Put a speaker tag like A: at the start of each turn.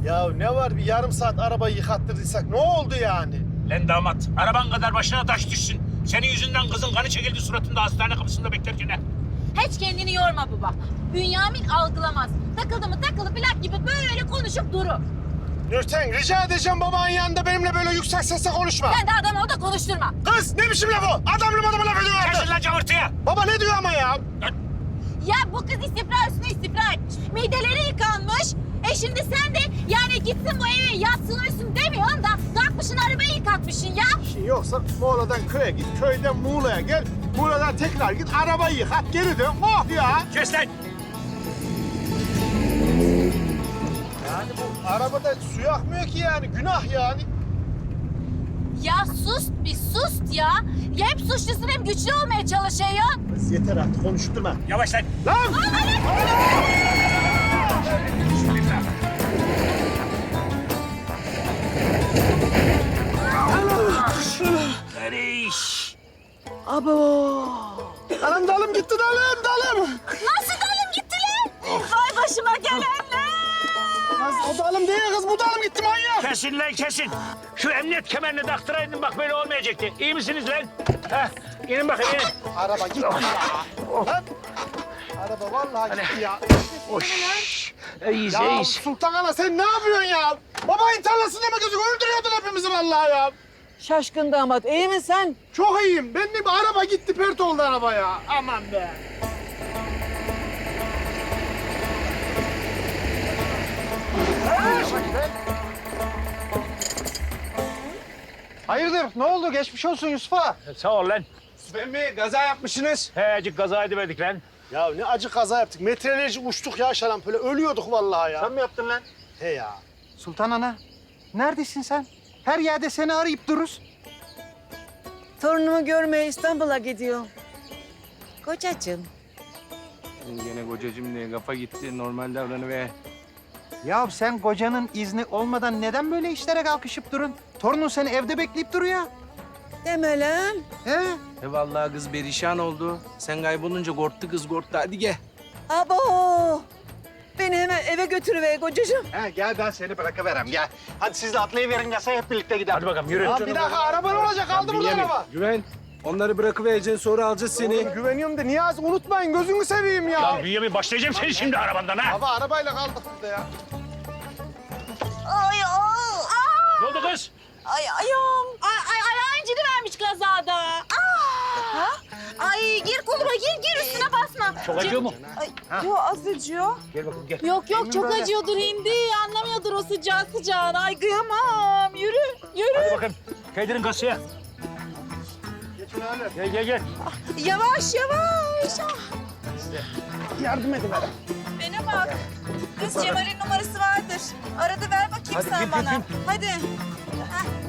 A: Ya ne var bir yarım saat arabayı yıkattırdıysak ne oldu yani?
B: Lan damat, araban kadar başına taş düşsün. Senin yüzünden kızın kanı çekildi suratında hastane kapısında beklerken. Ha.
C: Hiç kendini yorma baba. Bünyamin algılamaz. Takıldı mı takılı plak gibi böyle konuşup durur.
A: Nurten rica edeceğim babanın yanında benimle böyle yüksek sesle konuşma.
C: Sen de adam ol da konuşturma.
A: Kız ne biçim laf o? Adamlı laf ediyor artık.
B: Kesin lan cavırtıya.
A: Baba ne diyor ama ya?
C: Ya bu kız istifra üstüne istifra etmiş. Mideleri yıkanmış. Şimdi sen de yani gitsin bu eve yatsın uyusun demiyorsun da kalkmışsın arabayı yıkatmışsın ya.
A: İşin yoksa Muğla'dan köye git, köyden Muğla'ya gel. Muğla'dan tekrar git, arabayı yıkat, geri dön. Oh ya!
B: Kes lan.
A: Yani bu arabada su akmıyor ki yani, günah yani.
C: Ya sus bir sus ya. Ya hep suçlusun hem güçlü olmaya çalışıyorsun.
A: Kız yeter artık, konuşturma.
B: Yavaş lan.
A: Lan!
B: Eriş.
A: Dalım dalım gitti dalım.
C: Nasıl dalım gitti lan? Vay başıma gelenler.
A: Kız o dalım değil kız, bu dalım gitti manyak.
B: Kesin lan kesin. Şu emniyet kemerini taktıraydın bak böyle olmayacaktı. İyi misiniz lan? Heh, inin bakayım inin.
A: Araba gitti ya. Lan! Araba vallahi gitti ya.
B: Oş. İyiyiz
A: Ya
B: iyiyiz.
A: Sultan Ana sen ne yapıyorsun ya? Babayın tarlasında mı gözük? Öldürüyordun hepimizi vallahi ya.
D: Şaşkın damat, iyi misin sen?
A: Çok iyiyim. Benim bir araba gitti, pert oldu araba ya. Aman be. Hayırdır? Ne oldu? Geçmiş olsun Yusuf'a.
B: Sağ ol lan.
A: Yusuf Bey, kaza yapmışsınız.
B: He acık kaza ediverdik lan.
A: Ya ne acı kaza yaptık. Metrelerce uçtuk ya şarampole. Ölüyorduk vallahi ya.
E: Sen mi yaptın lan?
A: He ya.
E: Sultan Ana, neredesin sen? Her yerde seni arayıp dururuz.
D: Torunumu görmeye İstanbul'a gidiyor. Kocacığım.
F: Gene kocacığım diye kafa gitti. Normal davranıver.
E: Ya sen kocanın izni olmadan neden böyle işlere kalkışıp durun? Torunun seni evde bekleyip duruyor.
D: Deme lan.
E: He?
F: Vallahi kız perişan oldu. Sen kaybolunca korktu kız korktu. Hadi gel.
D: Abo. Beni hemen eve götürüver kocacığım.
E: He gel ben seni bırakıverem gel. Hadi siz de atlayıverin yasa hep birlikte gidelim.
B: Hadi bakalım yürü.
A: Ya bir dakika araba ne olacak? Kaldı burada araba.
F: Güven. Onları bırakıvereceksin sonra alacağız seni.
A: Oğlum, güveniyorum da Niyazi unutmayın. Gözünü seveyim ya.
B: Ya Bünyamin başlayacağım seni şimdi arabandan ha.
A: Baba arabayla kaldık burada ya.
C: Ay
B: Ne oldu kız?
C: ay ayağım. Ay ayağın incini vermiş kazada. Ay gir koluma gir üstüne basma.
B: Çok acıyor mu?
C: Yok az acıyor.
B: Gel bakalım gel.
C: Yok çok acıyordur hindi. Anlamıyordur o sıcağını. Ay kıyamam. Yürü.
B: Hadi bakalım. Kaydirin kasaya. Gel.
C: Yavaş.
A: Yardım edin bana.
G: Bana bak. Kız Cemal'in numarası vardır. Arada ver bakayım sen bana. Hadi. Heh.